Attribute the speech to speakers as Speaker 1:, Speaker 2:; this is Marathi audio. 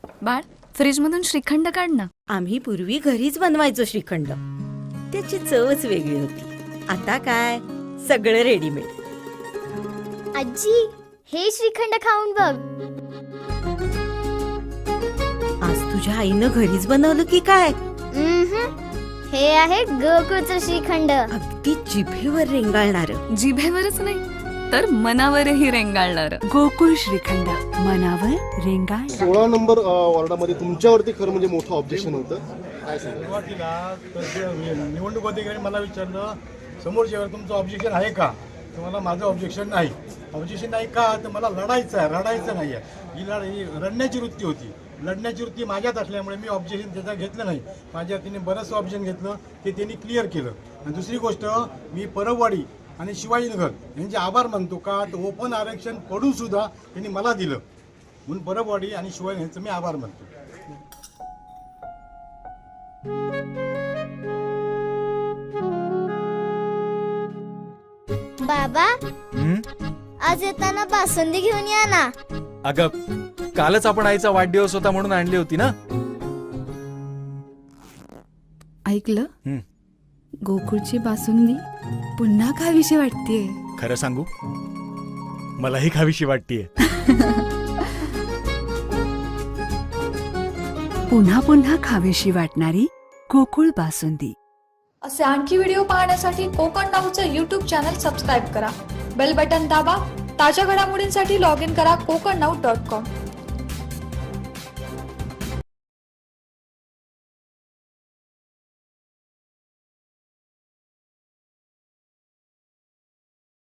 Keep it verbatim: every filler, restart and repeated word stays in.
Speaker 1: बाळ, फ्रीज मधून श्रीखंड काढ ना.
Speaker 2: आम्ही पूर्वी घरीच बनवायचो श्रीखंड. त्याची चवच वेगळी होती. आता काय सगळं रेडीमेड.
Speaker 3: आजी, हे श्रीखंड खाऊन बघ.
Speaker 2: आज तुझ्या आईनं घरीच बनवलं की काय?
Speaker 3: उम्हम. हे आहे गोकुळचं श्रीखंड.
Speaker 2: अगदी जिभेवर रेंगाळणार.
Speaker 1: जिभेवरच नाही तर मनावरही रेंगाळणार.
Speaker 4: गोकुळ श्रीखंड, मनावर रेंगाळ.
Speaker 5: सोळा नंबर अ, वॉर्डामध्ये तुमच्यावरती खरं म्हणजे मोठं ऑब्जेक्शन होतं. काय सांगा?
Speaker 6: सुरुवातीला तर जे निवडणूक अधिकारी मला विचारलं समोरच्यावर तुमचं ऑब्जेक्शन आहे का, तर मला माझं ऑब्जेक्शन नाही. ऑब्जेक्शन नाही का, तर मला लढायचं आहे, रडायचं नाही आहे. ही लढ ही रडण्याची वृत्ती होती. लढण्याची वृत्ती माझ्यात असल्यामुळे मी ऑब्जेक्शन त्याचा घेतलं नाही. माझ्या तिने बरंचसं ऑब्जेक्शन घेतलं, ते त्यांनी क्लिअर केलं. आणि दुसरी गोष्ट, मी परबवाडी आणि शिवाजीनगर यांचे आभार मानतो का, तर ओपन आरक्षण पडून सुद्धा त्यांनी मला दिलं. म्हणून परबवाडी आणि शिवाजी यांचं मी आभार मानतो.
Speaker 3: बाबा, आज येताना बासुंदी घेऊन या ना.
Speaker 7: अगं, कालच आपण आईचा वाढदिवस होता म्हणून आणली होती ना.
Speaker 4: ऐकलं?
Speaker 7: हं.
Speaker 4: गोकुळची बासुंदी पुन्हा खावीशी वाटतेय.
Speaker 7: खरं सांगू, मलाही खावीशी वाटतीये.
Speaker 4: पुन्हा पुन्हा खावीशी वाटणारी गोकुळ बासुंदी.
Speaker 8: असे आणखी व्हिडिओ पाहण्यासाठी कोकण नाऊचं यूट्यूब चॅनल सबस्क्राईब करा. बेल बटन दाबा. ताज्या घडामोडींसाठी लॉग इन करा कोकण नाऊ डॉट कॉम.